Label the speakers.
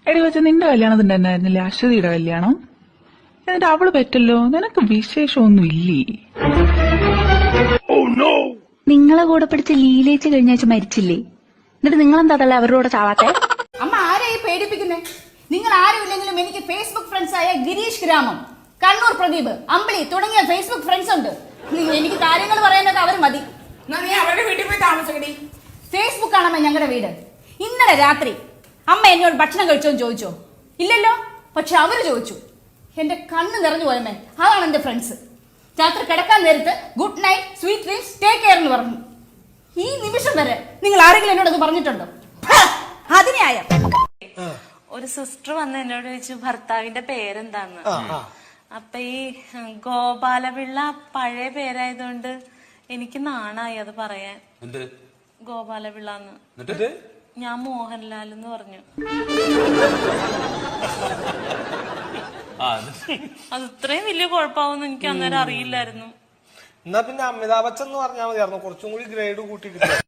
Speaker 1: എടി വെച്ച നിന്റെ കല്യാണത്തിന്റെ എന്നായിരുന്നില്ലേ അശ്വതിയുടെ കല്യാണം? എന്നിട്ട് അവള് പറ്റല്ലോ, നിനക്ക് വിശേഷമൊന്നും ഇല്ലേ?
Speaker 2: നിങ്ങളെ കൂടെ പഠിച്ച ലീലേച്ച് കഴിഞ്ഞ ആഴ്ച മരിച്ചില്ലേ? എന്നിട്ട് നിങ്ങളെന്താ അവരോട് ചാവാത്തെ?
Speaker 3: അമ്മ ആരെയും പേടിപ്പിക്കുന്നേ? നിങ്ങൾ ആരുമില്ലെങ്കിലും എനിക്ക് ഫേസ്ബുക്ക് ഫ്രണ്ട്സ് ആയ ഗിരീഷ് ഗ്രാമം, കണ്ണൂർ പ്രദീപ്, അമ്പിളി തുടങ്ങിയ ഫേസ്ബുക്ക് ഫ്രണ്ട്സ് ഉണ്ട്. എനിക്ക് കാര്യങ്ങൾ പറയാനൊക്കെ അവർ മതി.
Speaker 4: നീ അവരുടെ വീട്ടിൽ പോയി താമസിക്കടി.
Speaker 3: ഫേസ്ബുക്ക് ആണമ്മ ഞങ്ങളുടെ വീട്. ഇന്നലെ രാത്രി അമ്മ എന്നോട് ഭക്ഷണം കഴിച്ചോന്ന് ചോദിച്ചോ? ഇല്ലല്ലോ. പക്ഷെ അവര് ചോദിച്ചു. എന്റെ കണ്ണ് നിറഞ്ഞു പോയമ്മേ. അതാണ് എന്റെ ഫ്രണ്ട്സ്. രാത്രി കിടക്കാൻ നേരത്ത് good night, sweet dreams, take care എന്ന് പറഞ്ഞു. ഈ നിമിഷം വരെ നിങ്ങൾ ആരെങ്കിലും എന്നോട് അത് പറഞ്ഞിട്ടുണ്ടോ? അതിനായ
Speaker 5: ഒരു സിസ്റ്റർ വന്ന് എന്നോട് ചോദിച്ചു ഭർത്താവിന്റെ പേരെന്താന്ന്. അപ്പൊ ഈ ഗോപാലപിള്ള പഴയ പേരായതുകൊണ്ട് എനിക്ക് നാണായി അത് പറയാൻ. ഗോപാലപിള്ളന്ന്. ഞാൻ മോഹൻലാൽ എന്ന് പറഞ്ഞു. അത് ഇത്രയും വലിയ കുഴപ്പമാവെന്ന് എനിക്ക് അന്നേരം അറിയില്ലായിരുന്നു.
Speaker 6: എന്നാ പിന്നെ അമിതാഭ് ബച്ചൻ എന്ന് പറഞ്ഞാൽ മതിയായിരുന്നു, കുറച്ചും കൂടി ഗ്രേഡ് കൂട്ടി കിട്ടും.